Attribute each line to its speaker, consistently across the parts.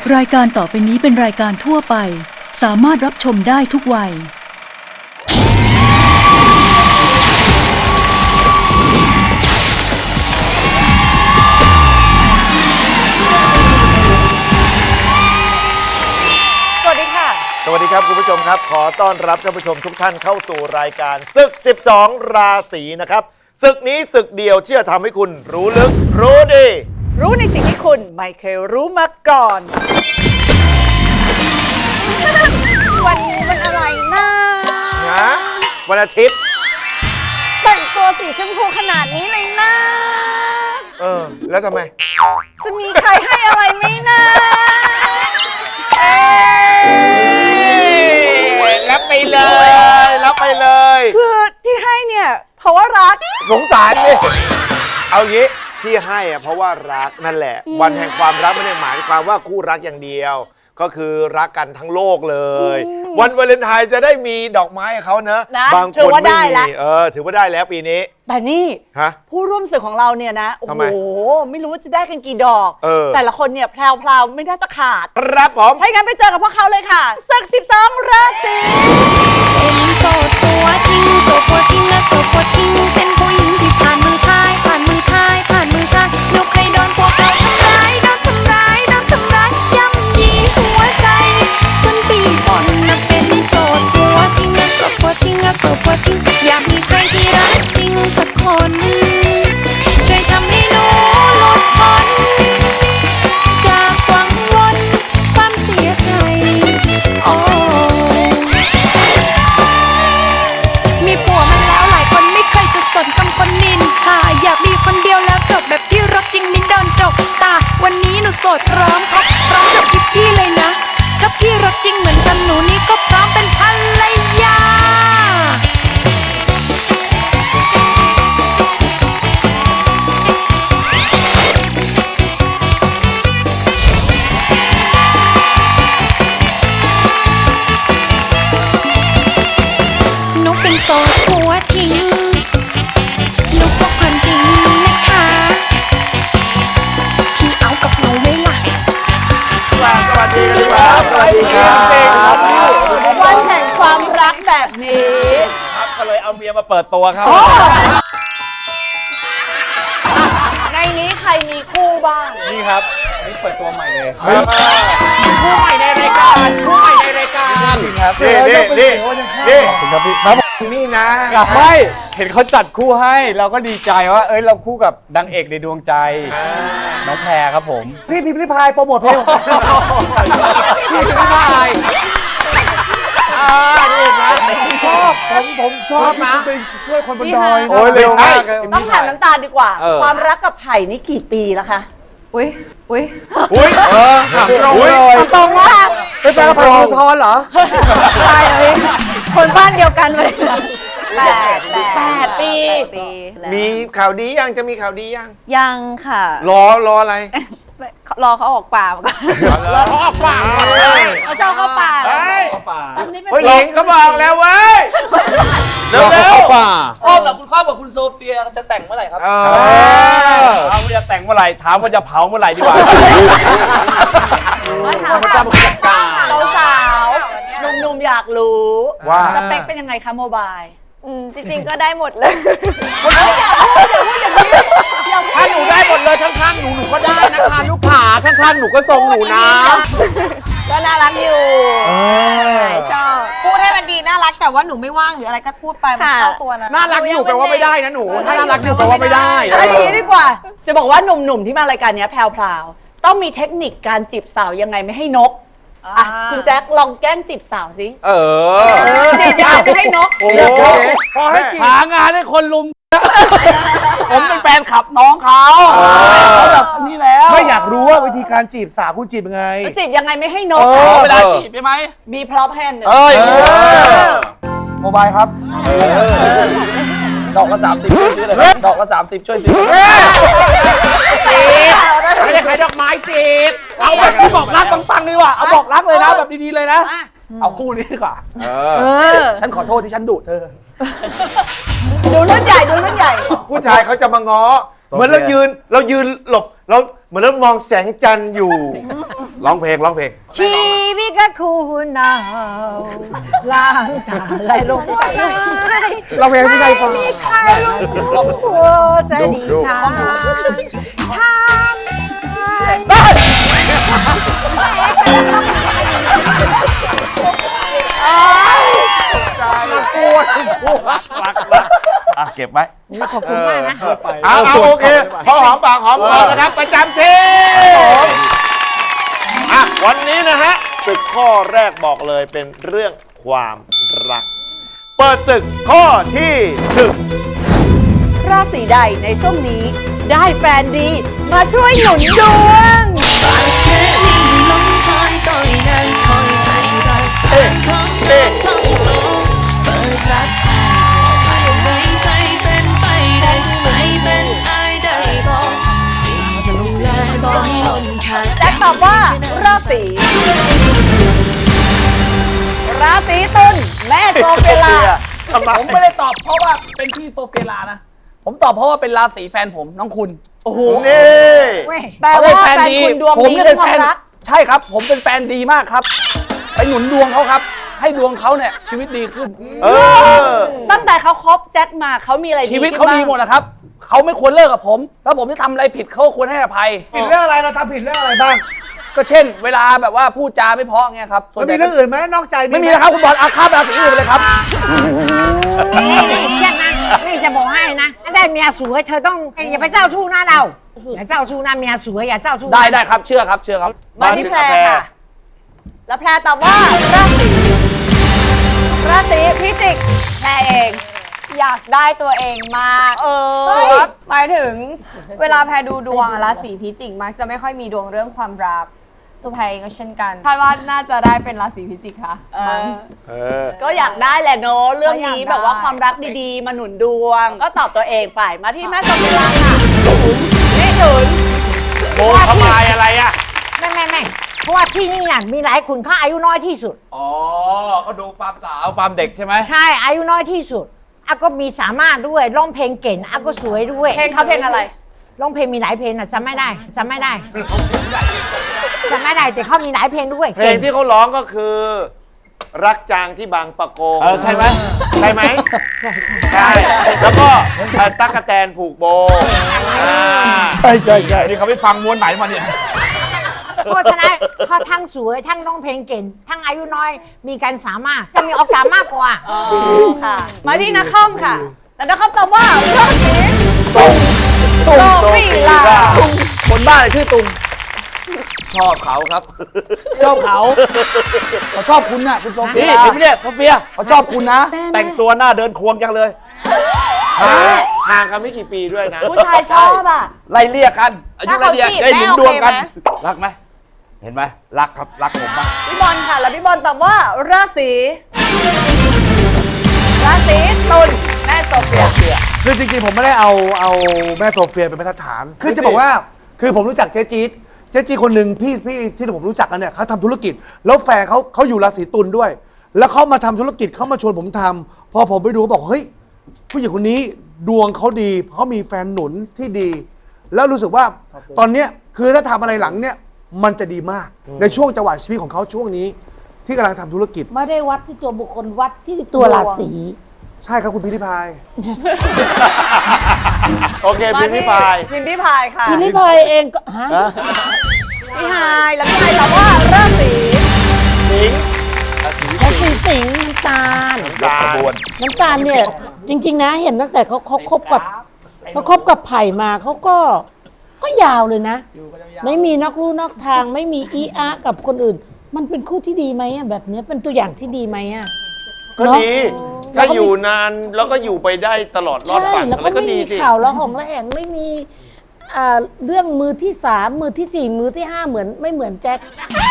Speaker 1: รายการต่อไปนี้เป็นรายการทั่วไปสามารถรับชมได้ทุกวัย
Speaker 2: สวัสดีค่ะ
Speaker 3: สวัสดีครับคุณผู้ชมครับขอต้อนรับท่านผู้ชมทุกท่านเข้าสู่รายการศึก12ราศีนะครับศึกนี้ศึกเดียวที่จะทำให้คุณรู้ลึกรู้ดี
Speaker 2: รู้ในสิ่งที่คุณไม่เคยรู้มาก่อนวันนี้มันอะไรนะ
Speaker 3: วันอาทิตย์
Speaker 2: แต่งตัวสีชมพูขนาดนี้เลยนะ
Speaker 3: แล้วทำไม
Speaker 2: จะมีใครให้อะไรไหมนะ
Speaker 3: รับไปเลยรับไปเลย
Speaker 2: คือที่ให้เนี่ยเพราะว่ารัก
Speaker 3: สงสารดิเอางี้ที่ให้อะเพราะว่ารักนั่นแหละวันแห่งความรักไม่ได้หมายความว่าคู่รักอย่างเดียวก็คือรักกันทั้งโลกเลยวันวาเลนไทน์จะได้มีดอกไม้ให้เขานะบางคนไม่มีถือว่าได้แล้วปีนี้
Speaker 2: แต่นี่ผู้ร่วมศึกของเราเนี่ยนะโอ้โหไม่รู้ว่าจะได้กันกี่ดอกแต่ละคนเนี่ยแพรวๆไม่น่าจะขาด
Speaker 3: ครับผม
Speaker 2: ให้งั้นไปเจอกับพวกเขาเลยค่ะศึก12ราศี
Speaker 4: เป็นโสดตัวทิ้งโสดตัวทิ้งและโสดตัวทิ้งเป็นผู้หญิงที่ผ่านมือชายผ่านมือชายผ่านมือชายยกให้โดนพวกเขาทำร้ายโดนทำร้ายโดนทำร้ายย่ำยีหัวใจจนปีบ่อนนะเป็นโสดตัวทิ้งและโสดตัวทิ้งและโสดตัวทิ้งอยากมีใครที่รักจริงสักคนช่วยทำให้หนูหลุดพ้นจากวังวนความเสียใจโอ้มีผัวมันแล้วหลายคนไม่เคยจะสนคำคนนินทาอยากมีคนเดียวแล้วจบแบบที่รักจริงไม่โดนจบตาวันนี้หนูโสดพร้อมครับพร้อมกับพี่เลยนะถ้าพี่รักจริงเหมือนกันหนูนี่ก็พร้อมเป็นภรรยาหนูเป็นโสดหัวทิ้งหนูบอกความจริงนะคะพี่เอากับหนูไหมล่ะ
Speaker 3: สวัสดีครับสวัสดีครับ
Speaker 2: วันแห่งความรักแบบนี้
Speaker 5: ครับก็เลยเอาเมียมาเปิดตัวครับ
Speaker 2: ในนี้ใครมีคู่บ้าง
Speaker 5: นี่ครับนี่เปิดตัวใหม่เลยคู่ใหม่ในรายการคู่ใหม่ในรายการครับ
Speaker 3: นี่
Speaker 5: ครับพี่ครับ
Speaker 3: นี่นะ
Speaker 5: ไม่เห็นเขาจัดคู่ให้เราก็ดีใจว่าเราคู่กับดังเอกในดวงใจน้องแพรครับผม
Speaker 3: พี่พายโปรโมทเพลงพี่พายนี่นะผมชอบนะไปช่วยคนบนดอย
Speaker 5: โอ้ยเร็วมาก
Speaker 2: ต้องถามน้ำตาลดีกว่าความรักกับไผ่นี่กี่ปีแล้วคะอุ้ย
Speaker 3: ถามตรงเลย
Speaker 2: ตรงว่า
Speaker 3: เป็นแฟนกับไผ่พงศธรเหรอ
Speaker 2: ใช่เลยคนบ้านเดียวกันเลย8 ปี
Speaker 3: มีข่าวดียังจะมีข่าวดี
Speaker 6: ยังค่ะ
Speaker 3: รออะไร
Speaker 6: รอเขาออกป่าก่อน
Speaker 3: รอเขาออกป่า
Speaker 6: เขาเจ้าเข้าป่า
Speaker 3: ตอนนี้เป็นหญิงเขาบอกแล้วเว้ยเร็ว
Speaker 5: ป่าพ่อกับคุณข้าวกับคุณโซเฟียจะแต่งเมื่อไหร่ครับถามว่าจะแต่งเมื่อไหร่ถามว่าจะเผาเมื่อไหร่ดีกว่า
Speaker 2: พระเจ้าบอกจัดการสาวหนุ่มๆอยากรู้ว่าสเปคเป็นยังไงคะโมบาย
Speaker 6: จริงๆก็ได้หมดเลย
Speaker 3: ถ้าหนูได้หมดเลยข้างๆหนูก็ได้นะคะลูกผาข้างๆหนูก็ทรงหนูนะ
Speaker 6: ก็น่ารักอยู่ชอบพูดให้มันดีน่ารักแต่ว่าหนูไม่ว่างหรืออะไรก็พูดไปมันเข้าตัวนะ
Speaker 3: น่ารักอยู่แปลว่าไม่ได้นะหนูถ้าน่ารักอยู่แปลว่าไม่ได้
Speaker 2: อันนี้ดีกว่าจะบอกว่าหนุ่มๆที่มารายการนี้แพรวๆต้องมีเทคนิคการจีบสาวยังไงไม่ให้นกคุณแจ็คลองแกล้งจีบสาวสิจีบยังไงไม่ให้นก
Speaker 5: พอให้จีบหางานให้คนลุมผมเป็นแฟนขับน้องเขาแบบนี้แล้ว
Speaker 3: ไม่อยากรู้ว่าวิธีการจีบสาวคุณจีบยังไง
Speaker 2: จีบยังไงไม่ให้นก
Speaker 5: เวลาจีบใช่ไหม
Speaker 2: มีพร็อพแฮนด์
Speaker 5: โมบายครับดอกละ30ช่วยซื้อเลยดอกละ30ช่วยซื้อ
Speaker 3: ไม่ได้ขายดอกไม้จีบ
Speaker 5: เอาแบบบอกรักปังๆดีกว่าเอาบอกรักเลยนะแบบดีๆเลยนะเอาคู่นี้ดีกว่าฉันขอโทษที่ฉันดุเธอ
Speaker 2: ดูรุ่นใหญ่
Speaker 3: ผู้ชายเขาจะมาง้อเหมือนเรายืนหลบเราเหมือนเรามองแสงจันทร์อยู่
Speaker 5: ร้องเพลง
Speaker 6: ชีวิตก็คูหนาวล้างตาไหลลงไป
Speaker 5: ร้องเพลงไม่ใช่ฟัง
Speaker 6: มีใครรู้หัวใจดีช้าช้า
Speaker 5: อ่ะเก็บไว้
Speaker 6: ขอบคุณมากนะ
Speaker 3: เอาโอเค พอหอมปากหอมคอนะครับ ประจำที่อ่ะวันนี้นะฮะศึกข้อแรกบอกเลยเป็นเรื่องความรัก เปิดศึกข้อที่หนึ่ง
Speaker 2: ราศีใดในช่วงนี้ได้แฟนดีมาช่วยหนุนดวง
Speaker 4: ลงซอยต่อยได้คอยใจรักเปิดของเปิดของโตเปิดรักใครได้ใจเป็นไปได้ไม่เป็นตายได้บอกสิดูแลบอกให้ล้นขาด
Speaker 2: แจ็คตอบว่าราศีตุลแม่โซเฟลา
Speaker 5: ผมไม่ได้ตอบเพราะว่าเป็นพี่โซเฟียลานะ ผมตอบเพราะว่าเป็นราศีแฟนผมน้องคุณ
Speaker 2: โอ้โห
Speaker 3: นี่
Speaker 2: แปลว่าแฟนคุณดวง
Speaker 5: ผม
Speaker 2: ดี
Speaker 5: เนี่ย
Speaker 2: เรื่
Speaker 5: เป็
Speaker 2: อน งค
Speaker 5: แฟ
Speaker 2: วาม
Speaker 5: น
Speaker 2: รัก
Speaker 5: ใช่ครับ ผมเป็นแฟนดีมากครับ ไปหนุนดวงเขาครับ ให้ดวงเขาเนี่ยชีวิตดีขึ้น
Speaker 2: ตั้งแต่เขาคบแจ็คมาเขามีอะไรดี
Speaker 5: ชีวิตเขาดีหมดนะครับ เขาไม่ควรเลิกกับผม ถ้าผมจะทำอะไรผิดเขาควรให้อภัย
Speaker 7: ผิดเรื่องอะไรเราทำผิดเรื่องอะไรบ้าง
Speaker 5: ก็เช่น เวลาแบบว่าพูดจาไม่เพราะเงี้ยครับส่ว
Speaker 7: มัน
Speaker 5: นให
Speaker 7: มี
Speaker 5: ญ่
Speaker 7: เรื่องอื่นไหมนอกใจ
Speaker 5: ไม่มีนะครับคุณบอลอาฆาตราศีอื่นไปเลยครับ
Speaker 6: นี่เช่นนะนี่จะบอกให้นะได้เมียสวยเธอต้องอย่าไปเจ้าชู้นะเราอย่าเจ้าชู้นะเมียสวยอย่าเจ้าชู้
Speaker 5: ได้ครับเชื่อครับ
Speaker 2: มาที่แพรค่ะ แล้วแพรตอบว่าราศีพิจิกแพรเอง
Speaker 8: อยากได้ตัวเองมากหมายถึงเวลาแพรดูดวงอะราศีพิจิกมักจะไม่ค่อยมีดวงเรื่องความรัก ตัวแพรเองก็เช่นกันคาดว่าน่าจะได้เป็นราศีพิจิกค่ะ
Speaker 2: ก็อยากได้แหละเนอะเรื่องนี้
Speaker 8: ก็อยากได้
Speaker 2: แบบว่าความรักดีๆ มาหนุนดวง ก็ตอบตัวเองไปมาที่แม่โซเฟลาค่ะนี่หนุน
Speaker 3: โมทำลายอะไรอ่ะ
Speaker 6: ไม่เพราะว่าที่นี่น่ะมีหลายคนเขาอายุน้อยที่สุด
Speaker 5: อ๋อก็ดูความสาวความเด็กใช่ไหม
Speaker 6: ใช่อายุน้อยที่สุดอาก็มีสามารถด้วยร้องเพลงเก่งอาก็สวยด้วย
Speaker 2: เพลงเขาเพลงอะไร
Speaker 6: ร้องเพลงมีหลายเพลงอ่ะจำไม่ได้แต่เขามีหลายเพลงด้วย
Speaker 3: เพลงที่เขาร้องก็คือ รักจางที่บางปะโกง
Speaker 5: ใช่ไหม
Speaker 3: ใช่ไหมใช่แล้วก็ตั๊กแตนผูกโบ
Speaker 5: ใช่นี่เขาไปฟังม้วนไหนมาเนี่ย
Speaker 6: เพราะฉะนั้นเขาทั้งสวยทั้งร้องเพลงเก่งทั้งอายุน้อยมีการสามารถจะมีโอกาสมากกว่า
Speaker 2: ค่ะ มาที่นักคอมค่ะแล้วนักคอมตอบว่าราศี
Speaker 5: ตุ้ง
Speaker 2: โซฟีลา
Speaker 5: คนบ้าเลยชื่อตุงชอบเขาครับ ชอบเขาชอบคุณน่ะคุณโซเฟียเห็นไหมเนี่ยโซเฟียเขาชอบคุณนะ แต่งตัวหน้าเดินควงจังเลย
Speaker 3: ห่างกันไม่กี่ปีด้วยนะ
Speaker 2: ผู้ชายชอบอ่ะ
Speaker 5: ไล่เรียกกันอายุไล่เรียกได้หนุนดวงกัน
Speaker 6: โอเคไหม
Speaker 5: รักไหมเห็นไหมรักครับรักผมมาก
Speaker 2: พี่บอลค่ะ แล้วพี่บอลตอบว่าราศีตุลแม่โซเฟีย
Speaker 7: คือจริงๆผมไม่ได้เอาแม่โซเฟียเป็นมาตรฐาน คือจะบอกว่าคือผมรู้จักเจ๊จี๊ดคนหนึ่งพี่ที่ผมรู้จักกันเนี่ยเขาทำธุรกิจ แล้วแฟนเขาอยู่ราศีตุลด้วย แล้วเขามาทำธุรกิจเขามาชวนผมทำพอผมไปดูบอกเฮ้ยผู้หญิงคนนี้ดวงเขาดีเขามีแฟนหนุนที่ดี แล้วรู้สึกว่าตอนเนี้ยคือถ้าทำอะไรหลังเนี่ยมันจะดีมากในช่วงจังหวะชีวิตของเขาช่วงนี้ ที่กำลังทำธุรกิจ
Speaker 9: ไม่ได้วัดที่ตัวบุคคลวัดที่ตัวราศี
Speaker 7: ใช่ครับคุณพิธิพาย
Speaker 3: โอเคพิมพ์ริพาย
Speaker 2: พิมพ์ริพายค่ะ
Speaker 9: พิลิพายเองก็ฮะ
Speaker 2: พี่ไฮายแล้วพี่ไฮายตอบว่าราศี
Speaker 3: สิงห์
Speaker 9: ราศีสิงห์น้ำตาล
Speaker 3: ตาบวน
Speaker 9: น้ำตาลเนี่ยจริงๆนะเห็นตั้งแต่เขาคบกับไผ่มาเขาก็ยาวเลยนะ ไม่มีนอกลู่นอกทางไม่มีอีอากับคนอื่น มันเป็นคู่ที่ดีไหมอะแบบเนี้ยเป็นตัวอย่างที่ดีไหมอะ
Speaker 3: ก็ดีถ้าอยู่นานแล้วก็อยู่ไปได้ตลอดรอด
Speaker 9: ใช่
Speaker 3: ฝั่ง
Speaker 9: แล้ว
Speaker 3: อะไร
Speaker 9: ก็
Speaker 3: ก็
Speaker 9: ไม่
Speaker 3: ดี
Speaker 9: มี
Speaker 3: สิ
Speaker 9: ข่าวละหองละแหงไม่มีเรื่องมือที่สามมือที่สี่มือที่ห้าไม่เหมือนแจ็ค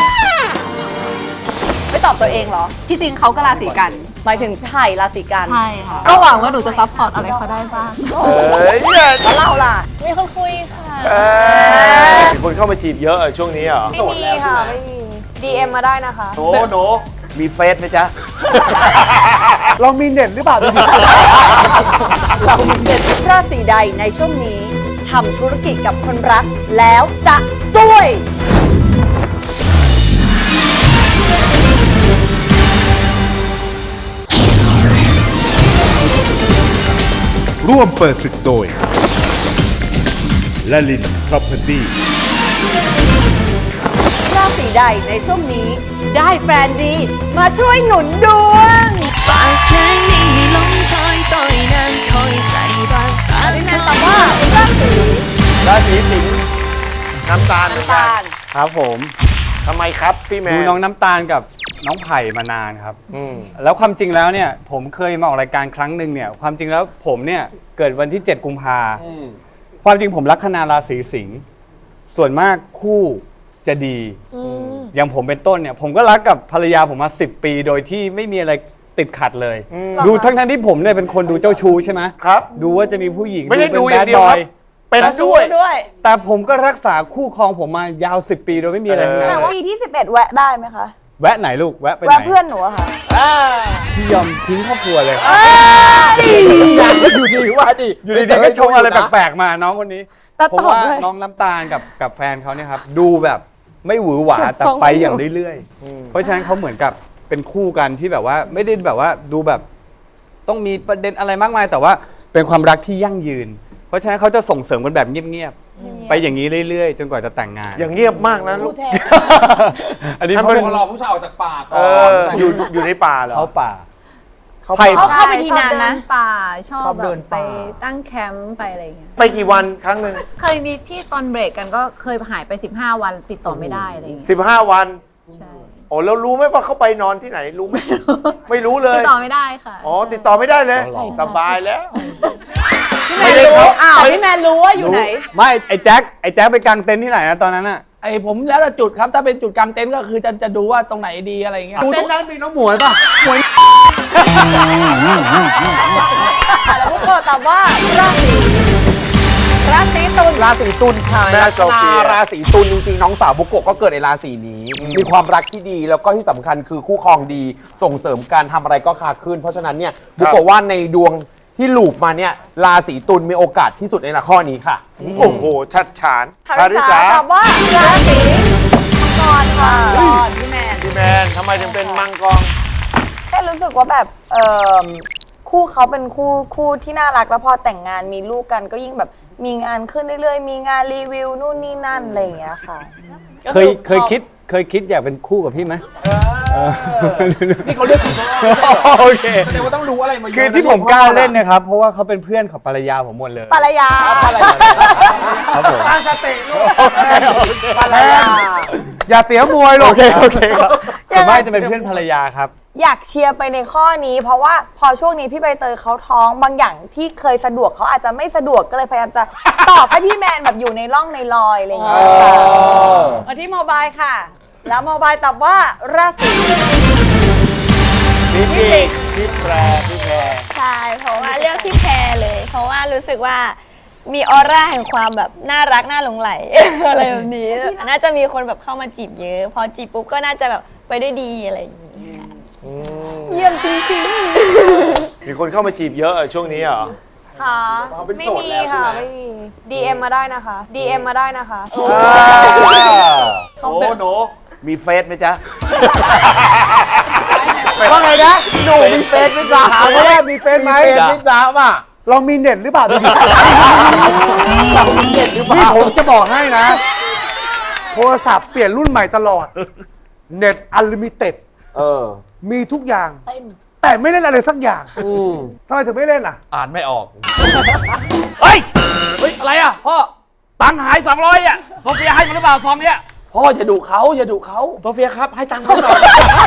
Speaker 2: ไม่ตอบตัวเองเหรอ
Speaker 8: ที่จริงเขาก็ราศีกัน
Speaker 2: หมายถึงไผ่ราศีกัน
Speaker 8: ใช่ค่ะ ก็หวังว่าหนูจะซัพพอร์ตอะไรเขาได้บ้าง
Speaker 3: เนี่ย
Speaker 2: แล้วเราล่ะ
Speaker 8: มีคนคุยค่ะ
Speaker 3: มีคนเข้ามาจีบเยอะช่วงนี้เหรอ
Speaker 8: ไม่มีค่ะ ไม่มี DM มาได้นะคะ
Speaker 3: โนมีเฟซไหมจ๊ะ
Speaker 7: เรามีเน็ตหรือเปล่าดูสิ
Speaker 2: ราศีใดในช่วงนี้ทำธุรกิจกับคนรักแล้วจะซวย
Speaker 10: ร่วมเปิดศึกโดยลลิน Property
Speaker 2: ราศีใดในช่วงนี้ได้แฟนดีมาช่วยหนุนดวง
Speaker 4: ฝากเพลงนี้ให้ลงซอยต่อยนางคอยใจบางตา
Speaker 2: พี่แมนตอบว่าราศี
Speaker 3: สิงห์น้ำตาลเหมือนกัน
Speaker 2: ตาล
Speaker 5: ครับผม
Speaker 3: ทำไมครับพี่แมน
Speaker 5: ดูน้องน้ำตาลกับน้องไผ่มานานครับ
Speaker 3: อืม
Speaker 5: แล้วความจริงแล้วเนี่ยผมเคยมาออกรายการครั้งหนึ่งเนี่ยความจริงแล้วผมเนี่ยเกิดวันที่ 7 กุมภาความจริงผมลัคนาราศีสิงห์ส่วนมากคู่จะดีอย่างผมเป็นต้นเนี่ยผมก็รักกับภรรยาผมมา10 ปีโดยที่ไม่มีอะไรติดขัดเลย ดูทั้งที่ผมเนี่ยเป็นคนดูเจ้าชู้ใช่ไหม
Speaker 3: ครับ
Speaker 5: ดูว่าจะมีผู้หญิง
Speaker 3: ไม่ได้ดู
Speaker 5: ป็น
Speaker 3: อย่างเดียว
Speaker 5: bad
Speaker 3: ครับ
Speaker 5: boy
Speaker 3: เป็นด้วย
Speaker 5: แต่ผมก็รักษาคู่ครองผมมายาว 10 ปีโดยไม่มีอะไรทั้งนั้น
Speaker 8: แต่ว่าปีที่ 11 แวะได้ไหมคะ
Speaker 5: แวะไหนลูกแวะไปไหน
Speaker 8: แวะเพื่อนหนูอะค่ะ
Speaker 5: พี่ยอมทิ้งครอบครัวเลย
Speaker 3: อยู่ดีว่าดิ
Speaker 5: อยู่ดีๆก็ชงอะไรแปลกๆมาน้องคนนี้
Speaker 8: แต่
Speaker 5: ผม
Speaker 8: ตอบ
Speaker 5: ว่า
Speaker 8: ด้วย
Speaker 5: น้องน้ำตาลกับแฟนเขาเนี่ยครับดูแบบไม่หวือหวาแต่ไปอย่างเรื่อยๆเพราะฉะนั้นเขาเหมือนกับเป็นคู่กันที่แบบว่าไม่ได้แบบว่าดูแบบต้องมีประเด็นอะไรมากมาย แต่ว่าเป็นความรักที่ยั่งยืน เพราะฉะนั้นเขาจะส่งเสริมกันแบบเงียบๆไปอย่างนี้เรื่อยๆ จนกว่าจะแต่งงาน
Speaker 3: อย่างเงียบมากนะลูก
Speaker 5: อันนี้
Speaker 3: ท่าน
Speaker 5: เขา
Speaker 3: เป็น
Speaker 11: รอผู้ชายออกจากป่าก่
Speaker 3: เอ
Speaker 11: อน
Speaker 3: ออยู่ในป่าเหรอ
Speaker 5: เขาป่า
Speaker 3: เขา
Speaker 5: ไผ่
Speaker 3: ป่า
Speaker 2: เข้าไปทีนานนะ
Speaker 8: ชอบเดิป่าชอบ
Speaker 11: ชอบ
Speaker 8: แบ
Speaker 11: เดิ
Speaker 8: บ
Speaker 11: น
Speaker 8: ไป
Speaker 11: ป่า
Speaker 8: ตั้งแคมป์ไปอะไรอย่างเงี้ย
Speaker 3: ไปกี่วันครั้งหนึ่ง
Speaker 8: เคยมีที่ตอนเบรกกันก็เคยหายไป 15 วันติดต่อไม่ได้อะไรอย่างเงี้ย
Speaker 3: 15 วัน
Speaker 8: ใช่
Speaker 3: โอ้แล้วรู้ไหมว่าเขาไปนอนที่ไหนรู้ไหมไม่รู้เลย
Speaker 8: ติดต่อไม่ได้ค่ะ
Speaker 3: อ๋อติดต่อไม่ได้เลย
Speaker 5: อ๋อเหรอ
Speaker 3: สบายแล้ว
Speaker 2: พี่แมนรู้แต่พี่แมนรู้ว่าอยู่ไหน
Speaker 5: ไม่ไอ้แจ็คไปกางเต็นท์ที่ไหนนะตอนนั้นอะ
Speaker 11: ไอผมแล้วแต่จุดครับ ถ้าเป็นจุดกางเต็นท์ก็คือจะดูว่าตรงไหนดีอะไรอย่างเงี้ย
Speaker 5: เต็นท์นั้นมีน้องหมวยป่ะ
Speaker 2: แล้วพวกเราตอบว่าราศีตุล
Speaker 11: ราศีตุลค่ะ
Speaker 3: แม่โซเฟีย
Speaker 11: ราศีตุลจริงๆ น้องสาวบุโกะก็เกิดในราศีนี้ มีความรักที่ดีแล้วก็ที่สำคัญคือคู่ครองดี ส่งเสริมการทำอะไรก็คาขึ้น เพราะฉะนั้นเนี่ยบุโกะว่าในดวงที่ลูปมาเนี่ยราศีตุลมีโอกาสที่สุดในข้อนี้ค่ะ
Speaker 3: โอ้โหชัดฉาน
Speaker 2: คาริสาตอบว่าราศีมังกรค่ะพี่แมน
Speaker 3: พี่แมนทำไมถึงเป็นมังกร
Speaker 8: แค่รู้สึกว่าแบบคู่เขาเป็นคู่ที่น่ารักแล้วพอแต่งงานมีลูกกันก็ยิ่งแบบมีงานขึ้นเรื่อยๆ มีงานรีวิวนู่นนี่นั่นอะไรอย่างเงี้ยค่ะ
Speaker 5: เคยคิดอยากเป็นคู่กับพี่ไหม
Speaker 11: นี่เขาเลือก
Speaker 5: โอเค
Speaker 11: แสดงว่าต้องรู้อะไรมาเยอะ
Speaker 5: คือที่ผมกล้าเล่นนะครับ เพราะว่าเขาเป็นเพื่อนของภรรยาผมหมดเลย
Speaker 8: ภรรยา
Speaker 5: ครับผม
Speaker 3: ตั้งสติลูก
Speaker 11: ภรรยา
Speaker 7: อย่าเสียมวยหรอก
Speaker 5: โอเคครับส่วนมากจะเป็นเพื่อนภรรยาครับ
Speaker 8: อยากเชียร์ไปในข้อนี้ เพราะว่าพอช่วงนี้พี่ใบเตยเขาท้องบางอย่างที่เคยสะดวกเขาอาจจะไม่สะดวกก็เลยพยายามจะตอบให้พี่แมนแบบอยู่ในร่องในรอยอะไรอย่างเงี้ยค่ะ
Speaker 2: มาที่โมบายค่ะ แล้วโมบายตอบว่าราศี
Speaker 3: พี่กิ๊กพี่แพร
Speaker 12: ใช่ เพราะว่าเลือกพี่แพรเลย เพราะว่ารู้สึกว่ามีออร่าแห่งความแบบน่ารักน่าหลงไหล อะไรแบบนี้ น่าจะมีคนแบบเข้ามาจีบเยอะ พอจีบปุ๊บก็น่าจะแบบไปได้ดีอะไรอย่างนี้ค่ะเยี่ยมจริง
Speaker 3: มีคนเข้ามาจีบเยอะช่วงนี้เหรอ
Speaker 8: ๆค่ะไม่มีค่ะไม่มี DM มาได้นะคะ DM มาได้นะคะ
Speaker 3: โอ้โห
Speaker 11: มีเฟซไหมจ๊ะ
Speaker 7: ว่าไงนะ
Speaker 11: หนูมีเฟซไหมจ๊ะ
Speaker 7: ถามว่ามีเฟซไหม
Speaker 11: เฟซไหมจ๊ะป่ะ
Speaker 7: เรามีเน็ตหรือเปล่าดูดิ
Speaker 11: มีเน็ตหรือเป
Speaker 7: นี่
Speaker 11: ล่า
Speaker 7: ผมจะบอกให้นะ โทรศัพท์เปลี่ยนรุ่นใหม่ตลอด เน็ตอัลลิมิเต็ด มีทุกอย่าง แต่ไม่เล่นอะไรสักอย่างทำไมถึงไม่เล่นอ่ะ
Speaker 11: อ่านไม่ออก
Speaker 5: เฮ้ย อะไรอ่ะพ่อ ตังค์หาย200อ่ะโซเฟียให้มาหรือเปล่าซองเนี้ย
Speaker 11: พ่ออย่าดุเขาอย่าดุเขาโซเฟียครับให้ตังค์เขาหน่อย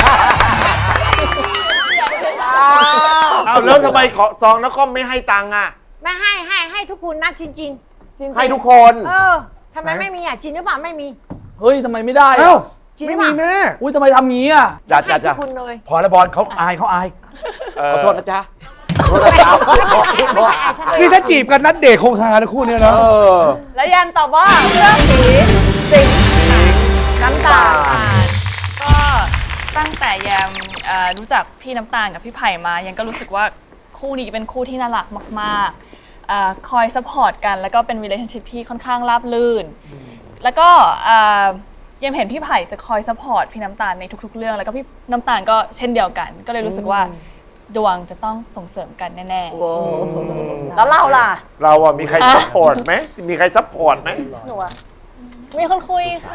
Speaker 3: เอาแล้วทำไมขอซองนครไม่ให้ตังค์อ่ะ
Speaker 6: ไม่ให้ทุกคนนะจริง
Speaker 11: ให้ทุกคน
Speaker 6: ทำไมไม่มีอ่ะจริงหรือเปล่าไม่มี
Speaker 11: เฮ้ยทำไมไม่ได้
Speaker 7: เอ้า
Speaker 6: จริงห
Speaker 7: ไม่
Speaker 6: รือเป
Speaker 7: มี
Speaker 6: ล่า
Speaker 7: แม่
Speaker 11: อุ้ยทำไมทำงี้อ่ะจ้า
Speaker 6: ให้ทุกคนเลย
Speaker 11: พอแล้วบอลเขาอายเขาอายขอโทษนะจ๊ะขอโทษนะจ๊ะ
Speaker 6: ไม่ใช่ฉันเลย
Speaker 7: นี่ถ้าจีบกันนัดเดทคงฮานะคู่เนี้ยนะ
Speaker 2: และยันตอบว่าราศีสิงห์น้ำตาล
Speaker 13: ก็ตั้งแต่แยมรู้จักพี่น้ำตาลกับพี่ไผ่มายังก็รู้สึกว่าคู่นี้เป็นคู่ที่น่ารักมากคอยซัพพอร์ตกันแล้วก็เป็น relationship ที่ค่อนข้างราบรื่น แล้วก็ยังเห็นพี่ไผ่จะคอยซัพพอร์ตพี่น้ำตาลในทุกๆเรื่องแล้วก็พี่น้ำตาลก็เช่นเดียวกันก็เลยรู้สึกว่าดวงจะต้องส่งเสริมกันแน่ๆ
Speaker 2: แล้วเราล่ะ
Speaker 3: เราอะมีใครซัพพอร์ตไหมมีใครซัพพอร์ตไหม
Speaker 13: มีคนคุยค่ะ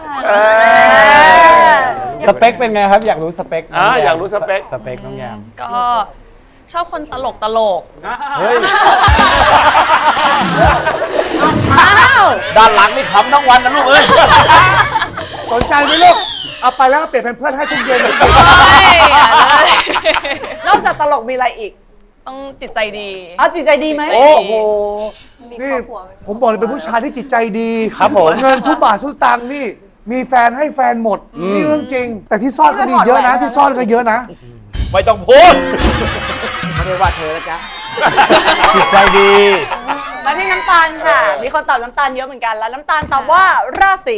Speaker 5: สเปคเป็นไงครับ อยากรู้สเปคน้งแม
Speaker 3: อยากรู้สเปค
Speaker 5: สเปคน้องแยม
Speaker 13: ก็ชอบคนตลก
Speaker 3: เฮ้ย
Speaker 11: ด้านหลังนี่ขำทั้งวันนะลูกเอ้ย
Speaker 7: สนใจไหมลูก เอาไปแล้วก็เปลี่ยนเป็นเพื่อนให้ทุกเย็น
Speaker 2: นอกจากตลกมีอะไรอีก
Speaker 13: ต้องจิตใจดี
Speaker 2: เอาจิตใจดีไหม
Speaker 7: โอ้โห นี่ผมบอกเลยเป็นผู้ชายที่จิตใจดี
Speaker 5: ครับผม
Speaker 7: เงินทุกบาททุกตังค์นี่ มีแฟนให้แฟนหมด นี่เรื่องจริง แต่ที่ซ่อนก็มีเยอะนะ ที่ซ่อนก็เยอะนะ
Speaker 3: ไม่ต้องพูด
Speaker 11: ไม่ได้ว่าเธอแล้วจ๊ะ
Speaker 5: จิตใจดี
Speaker 2: มาที่น้ำตาลค่ะ มีคนตอบน้ำตาลเยอะเหมือนกัน แล้วน้ำตาลตอบว่าราศี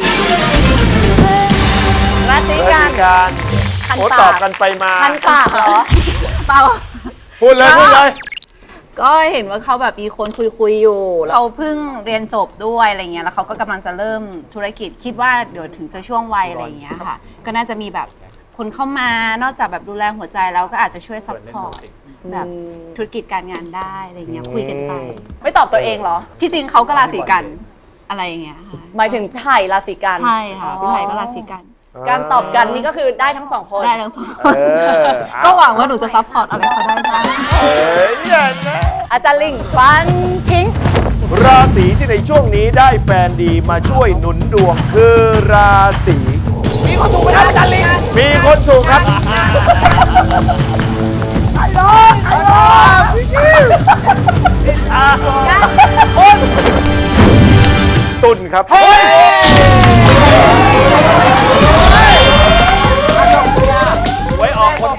Speaker 2: กัน คัน
Speaker 3: โอ้
Speaker 2: ปาก
Speaker 3: ตอบกันไปมา
Speaker 2: คันปากเหรอ
Speaker 8: เปล่า
Speaker 3: พูดเลยพูดเลย
Speaker 8: ก็เห็นว่าเขาแบบมีคนคุยอยู่เขาเพิ่งเรียนจบด้วยอะไรเงี้ยแล้วเขาก็กำลังจะเริ่มธุรกิจคิดว่าเดี๋ยวถึงจะช่วงวัยอะไรเงี้ยค่ะก็น่าจะมีแบบคนเข้ามานอกจากแบบดูแลหัวใจแล้วก็อาจจะช่วยซัพพอร์ตแบบธุรกิจการงานได้อะไรเงี้ยคุยกันไป
Speaker 2: ไม่ตอบตัวเองเหรอ
Speaker 8: ที่จริงเขาก็ราศีกันอะไรอย่างเงี้ยค่ะ
Speaker 2: หมายถึงไผ่ราศีกัน
Speaker 8: ใช่ค่ะพี่ไผ่ก็ราศีกัน
Speaker 2: การตอบกันนี่ก็คือได้ทั้งสองคน
Speaker 8: ได้ทั้งสองคนก็หวังว่าหนูจะซัพพอร์ตอะไรเขาได้บ้าง
Speaker 2: อาจารย์ลิงฟันทิ้ง
Speaker 3: ราศีที่ในช่วงนี้ได้แฟนดีมาช่วยหนุนดวงคือราศีมีคนถูกไหมครับอาจารย์ลิงมีคนถูกครับไอ้น้องตุนครับไว้ออกคนดี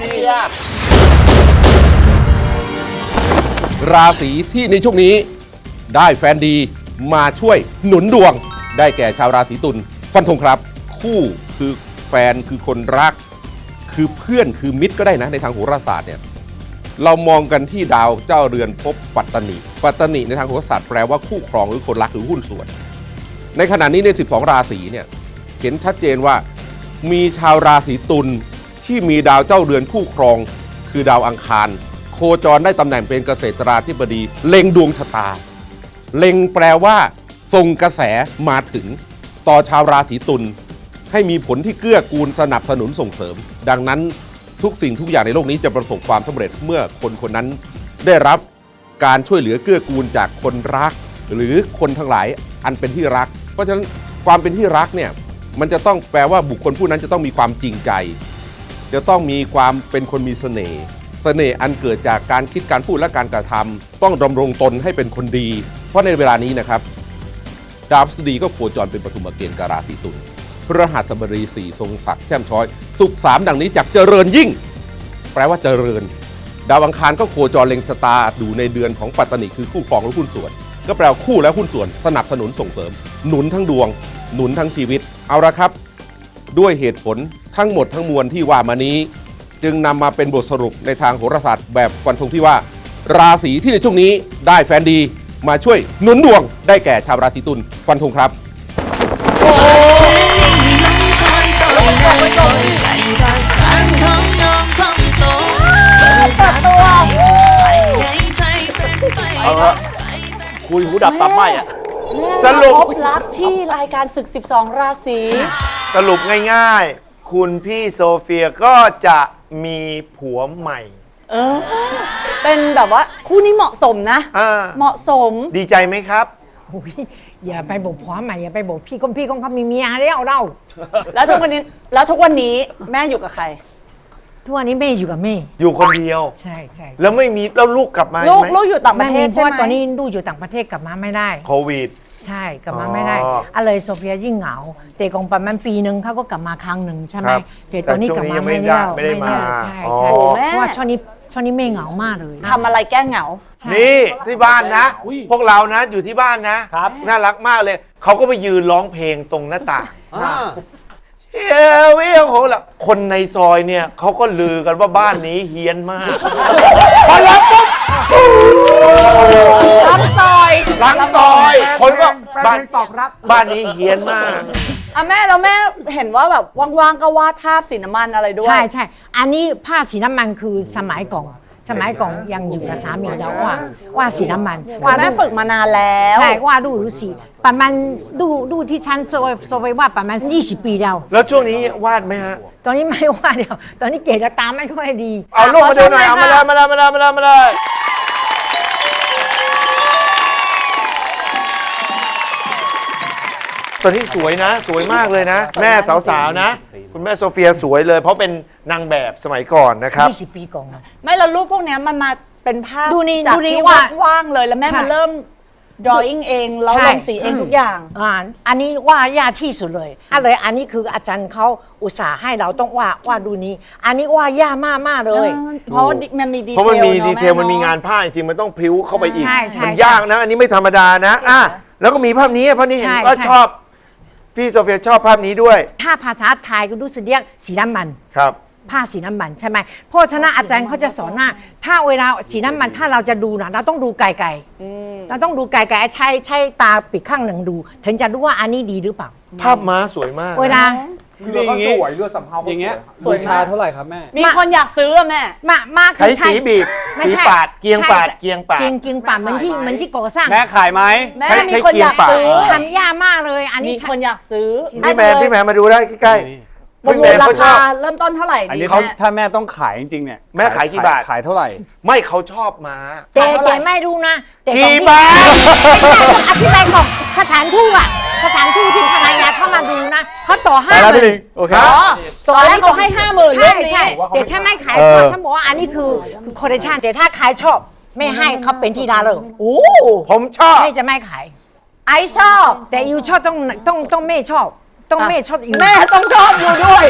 Speaker 14: ราศีที่ในช่วงนี้ได้แฟนดีมาช่วยหนุนดวงได้แก่ชาวราศีตุลฟันธงครับ คู่คือแฟนคือคนรัก คือเพื่อนคือมิตรก็ได้นะในทางโหราศาสตร์เนี่ยเรามองกันที่ดาวเจ้าเรือนภพปัตตนิปัตตนิในทางโหราศาสตร์แปลว่าคู่ครองหรือคนรักหรือหุ้นส่วนในขณะนี้ใน12ราศีเนี่ยเห็นชัดเจนว่ามีชาวราศีตุลที่มีดาวเจ้าเรือนคู่ครองคือดาวอังคารโคจรได้ตำแหน่งเป็นเกษตราธิบดีเล็งดวงชะตาเล็งแปลว่าส่งกระแสมาถึงต่อชาวราศีตุลให้มีผลที่เกื้อกูลสนับสนุนส่งเสริมดังนั้นทุกสิ่งทุกอย่างในโลกนี้จะประสบความสำเร็จเมื่อคนคนนั้นได้รับการช่วยเหลือเกื้อกูลจากคนรักหรือคนทั้งหลายอันเป็นที่รักเพราะฉะนั้นความเป็นที่รักเนี่ยมันจะต้องแปลว่าบุคคลผู้นั้นจะต้องมีความจริงใจจะต้องมีความเป็นคนมีเสน่ห์อันเกิดจากการคิดการพูดและการกระทำต้องดำรงตนให้เป็นคนดีเพราะในเวลานี้นะครับดาวพฤหัสบดีก็โคจรเป็นปฐุมเกณฑ์กับราศีตุลพฤหัสบดี4ทรงศักดิ์แช่มช้อยศุกร์3ดังนี้จากเจริญยิ่งแปลว่าเจริญดาวอังคารก็โคจรเล็งชะตาอยู่ในเดือนของปัตตนิคือคู่ครองและหุ้นส่วนก็แปลว่าคู่และหุ้นส่วนสนับสนุนส่งเสริมหนุนทั้งดวงหนุนทั้งชีวิตเอาละครับด้วยเหตุผลทั้งหมดทั้งมวลที่ว่ามานี้จึงนำมาเป็นบทสรุปในทางโหราศาสตร์แบบฟันธงที่ว่าราศีที่ในช่วงนี้ได้แฟนดีมาช่วยหนุนดวงได้แก่ชาวราศีตุลฟันธงครับ
Speaker 3: เอาละคุยหูดับตาไหมอ่ะส
Speaker 2: ส
Speaker 3: รุ
Speaker 2: รุ
Speaker 3: ป
Speaker 2: ปลับที่รายการศึก 12 ราศี
Speaker 3: สรุปง่ายๆ คุณพี่โซเฟียก็จะมีผัวใหม่
Speaker 2: เป็นแบบว่าคู่นี้เหมาะสมนะ เหมาะสม
Speaker 3: ดีใจไหมครับ
Speaker 6: อย่าไปบอกผัวใหม่อย่าไปบอกพี่ของเขามีเมียแล้วเรา
Speaker 2: แล้วทุกวันนี้แม่อยู่กับใคร
Speaker 6: ทุกวันนี้แม่อยู่กับแม่
Speaker 3: อยู่คนเดียว
Speaker 6: ใช่ใช่
Speaker 3: แล้วไม่มีแล้วลูกกลับมาไหม
Speaker 2: ลูกอยู่ต่างประเทศใช่ไหม
Speaker 6: เพราะว่าตอนนี้ลูกอยู่ต่างประเทศกลับมาไม่ได้
Speaker 3: โควิด
Speaker 6: ใช่กลับมาไม่ได้อะไรโซเฟียยิ่งเหงาแต่กองประมาณปีนึงเขาก็กลับมาครั้งหนึ่งใช่ไหม
Speaker 3: ครับ
Speaker 6: แต่ตอนนี้กลับมาไม่ได้
Speaker 3: ไม่ได้มา
Speaker 6: ใช่
Speaker 3: อ๋อ
Speaker 6: ใช่
Speaker 2: แม่
Speaker 6: เพราะว่าช่วงนี้แม่เหงามากเลย
Speaker 2: ทำอะไรแก้เหงา
Speaker 3: นี่ที่บ้านนะ พวกเรานะอยู่ที่บ้านนะครับน่ารักมากเลย เขาก็ไปยืนร้องเพลงตรงหน้าต่างเชียร์วิวโหละคนในซอยเนี่ยเขาก็ลือกันว่าบ้านนี้เฮี้ยนมากพอร้องปุ๊บ
Speaker 2: ล้างซอย
Speaker 3: ล้างซอยคนก็
Speaker 7: แฟ
Speaker 3: บ้าน
Speaker 7: นตอบรับ
Speaker 3: บ้านนี้เฮี้ยนมาก
Speaker 2: อ่ะแม่แล้วแม่เห็นว่าแบบว่างๆก็วาดภาพสีน้ำมันอะไรด้วย
Speaker 6: ใช่ใช่อันนี้ผ้าสีน้ำมันคือสมัยก่อนยังอยู่กับสามีแล้วว่าสีน้ำมัน
Speaker 2: ว่าแม่ฝึกมานานแล้ว
Speaker 6: ใช่ว่าดูสีประมาณดูที่ฉันโซไว้ว่าประมาณ20 ปีแล้ว
Speaker 3: แล้วช่วงนี้วาดไหมฮะ
Speaker 6: ตอนนี้ไม่ว่าเดียวตอนนี้เกรดตามไม่ค่อยดี
Speaker 3: เอาลูกมาดูหน่อยเอามาเลยตอนนี้สวยนะ สวยมากเลยนะ แม่สาวๆนะ คุณแม่โซเฟียสวยเลย เพราะเป็นนางแบบสมัยก่อนนะครับ
Speaker 6: 20 ปีก่อนนะ
Speaker 2: ไม่แล้วรูปพวกเนี้ยมันมาเป็นภาพ
Speaker 6: ดูนี่
Speaker 2: จาก
Speaker 6: ดูนี่
Speaker 2: ที่
Speaker 6: ว่า
Speaker 2: ว่างๆเลยแล้วแม่
Speaker 6: ใช่
Speaker 2: มาเริ่ม drawing เองแล้ว
Speaker 6: ใช่
Speaker 2: ลงสีเองทุกอย่าง
Speaker 6: อันนี้ว่ายากที่สุดเลยอันนี้คืออาจารย์เขาอุตส่าห์ให้เราต้องว่าดูนี้ อันนี้ว่ายากมากๆเลย
Speaker 2: เพราะว่ามันมีดีเทล
Speaker 3: เพราะมันมี
Speaker 2: เนอะ
Speaker 3: ดีเทล
Speaker 2: แม่
Speaker 3: มันมี
Speaker 2: เนอะ
Speaker 3: งานผ้าจริงๆมันต้องพริ้วเข้าไปอีก
Speaker 6: ใช่ใช่
Speaker 3: มันยากนะ อันนี้ไม่ธรรมดานะแล้วก็มีภาพนี้เห็น
Speaker 6: ใช่
Speaker 3: ว่า
Speaker 6: ใช่
Speaker 3: ชอบพี่โซเฟียชอบภาพนี้ด้วย
Speaker 6: ถ้าภาษาไทยก็รู้สึกเรียกสีน้ำมัน
Speaker 3: ครับ
Speaker 6: ผ้าสีน้ำมันใช่ไหมเพราะฉะนั้นอาจารย์เขาจะสอนว่าถ้าเวลาสีน้ำมันถ้าเราจะดูนะเราต้องดูไกลๆเราต้องดูไกลๆใช้ตาปิดข้างหนึ่งดู ถึงจะรู้ว่าอันนี้ดีหรือเปล่า
Speaker 3: ภาพม้าสวยมาก
Speaker 6: เวลา
Speaker 11: เรือก็สวยเรือสำเภาก็
Speaker 5: อย่างเงี้ย
Speaker 2: สวย
Speaker 5: บู
Speaker 2: มาก
Speaker 5: ชาเท่าไหร่ครับแม่
Speaker 2: มีคนอยากซื้ออะแม่
Speaker 6: มาก
Speaker 3: ใช้สีบีบ
Speaker 6: ไม่
Speaker 3: สี
Speaker 6: ใช่
Speaker 3: ปาดเกียงปาด
Speaker 6: ใช่
Speaker 3: เกียงปาด
Speaker 6: เกียงปาดเหมือนที่ก่อสร้าง
Speaker 5: แม่ขายไหม
Speaker 2: แม่
Speaker 3: ใช้
Speaker 2: มีคนอยาก
Speaker 3: ใช้เกียร์ปาก
Speaker 2: ซื้อ
Speaker 6: ทำยากมากเลยอัน
Speaker 2: มี
Speaker 6: นี้
Speaker 2: คนอยากซื้อ
Speaker 3: พี่แมนมาดูได้ใกล้ๆ
Speaker 2: ประ
Speaker 3: พี่
Speaker 2: มู
Speaker 3: แม
Speaker 2: ล
Speaker 3: น
Speaker 2: รา
Speaker 3: เขาชอ
Speaker 2: คา
Speaker 3: บ
Speaker 2: เริ่มต้นเท่าไหร่
Speaker 5: อัน
Speaker 2: ดี
Speaker 5: นี้
Speaker 2: แม่
Speaker 5: ถ้าแม่ต้องขายจริงๆเนี่ย
Speaker 3: แม่ขายกี่บาท
Speaker 5: ขายเท่าไหร่
Speaker 3: ไม่เขาชอบม้า
Speaker 6: แต่ไม่รู้นะแต่
Speaker 3: กี่
Speaker 6: ตรง
Speaker 3: บาท
Speaker 6: อธิบายก่อนสถานทูตอะสถานทูตที่ภรรยาเข้ามาดูนะเขาต่อ
Speaker 5: ไปแล้วพี่ลิง
Speaker 6: 50,000
Speaker 5: โอเค
Speaker 2: อ๋อตอนแรกเขาให้ 50,000
Speaker 6: ใช่
Speaker 2: เรื่องนี้
Speaker 6: ใช่แต่ฉันไม่ขาย
Speaker 3: เออ
Speaker 6: เพราะฉันบอกว่าอันนี้คือคอลเลคชันแต่ถ้าขายชอบไม่ให้เขาเป็นที่ดาเลย
Speaker 2: โอ้
Speaker 3: ผมชอบ
Speaker 6: ไม่จะไม่ขาย
Speaker 2: ไอชอบ
Speaker 6: แต่ยูชอบต้องแม่ชอบ ต้องแม่ชอบยู
Speaker 2: แม่ต้องชอบอยู่ด้วย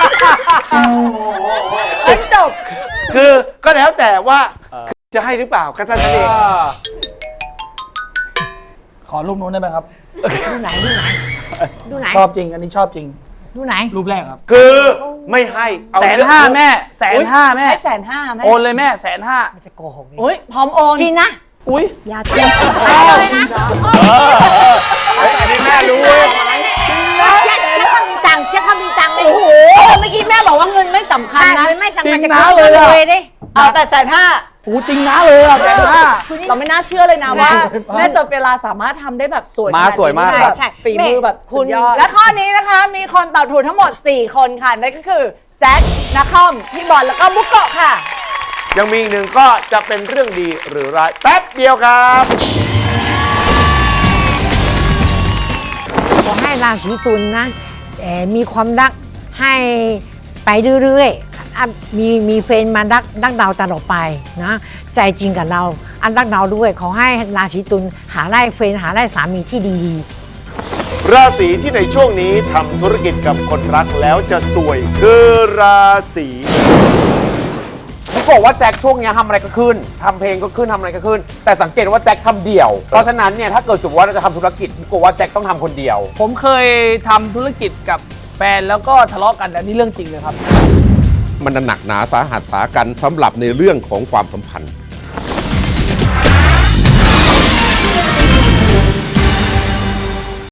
Speaker 2: จบ
Speaker 3: คือก็แล้วแต่ว่าจะให้หรือเปล่าก็เท่านั้นเอง
Speaker 15: ขอรูปนู้นได้ไหมครับ
Speaker 6: ดูไหนดูไหน
Speaker 15: ชอบจริง อันนี้ชอบจริง
Speaker 6: ดูไหน
Speaker 15: รูปแรกครับ
Speaker 3: คือไม่ให้เอา
Speaker 15: 150,000แม่150,000แม่
Speaker 2: ให้150,000แม่
Speaker 15: โอนเลยแม่150,000
Speaker 6: มันจะโกหก
Speaker 2: อุ้ยพร้อมโอน
Speaker 6: จริงนะ
Speaker 15: อุ้ย
Speaker 6: อย่าทำเลยนะ
Speaker 3: อันนี้แม่รู้เว้ย
Speaker 6: เช็คเขามีตังค์เช็คเขามีตังค์เลย
Speaker 2: โอ้โหเมื่อกี้แม่บอกว่าเงินไม่สำคัญ
Speaker 6: ใช่
Speaker 2: นะ
Speaker 6: เลยไม่สำคัญ
Speaker 15: จริง
Speaker 6: จะ
Speaker 15: นะ
Speaker 6: เข้า
Speaker 15: เลยอะ
Speaker 6: เลยดิ
Speaker 2: เอาแต่150,000
Speaker 15: โอ้จริงนะเลยอ่ะ150,000
Speaker 2: เราไม่น่าเชื่อเลยนะว่า แม่โซเฟียลาสามารถทำได้แบบสวย
Speaker 5: ม้าสวยมาก
Speaker 2: ขนดนี้
Speaker 5: ครับ
Speaker 6: ใช่
Speaker 2: ฝีมือแบบ
Speaker 6: คุ
Speaker 2: สุ
Speaker 6: ณ
Speaker 2: ดยอดและข้อนี้นะคะ มีคนตอบถูกทั้งหมด 4 คนค่ะ นั่นก็คือ แจ็คนักคอม พี่บอลแล้วก็บุกโกะค่ะ
Speaker 3: ยังมีอีกหนึ่งก็จะเป็นเรื่องดีหรือร้ายแป๊บเดียวครับ
Speaker 6: ขอให้ราศีตุลนะมีความรักให้ไปเรื่อยๆมีแฟนมารักเราตลอดไปนะใจจริงกับเราอันรักเราด้วยขอให้ราศีตุลหาได้แฟนหาได้สามีที่ดีๆ
Speaker 3: ราศีที่ในช่วงนี้ทำธุรกิจกับคนรักแล้วจะสวย คือราศี
Speaker 11: ผมบอกว่าแจ็คช่วงเนี้ยทำอะไรก็ขึ้นทำเพลงก็ขึ้นทำอะไรก็ขึ้น แต่สังเกตว่าแจ็คทำเดี่ยว เพราะฉะนั้นเนี่ยถ้าเกิดสมมติว่าเราจะทำธุรกิจผมกลัวว่าแจ็คต้องทำคนเดียว
Speaker 15: ผมเคยทำธุรกิจกับแฟนแล้วก็ทะเลาะกันอันนี้เรื่องจริงเลยครับ
Speaker 14: มันหนักหนาสาหัสสากันสำหรับในเรื่องของความสัมพันธ์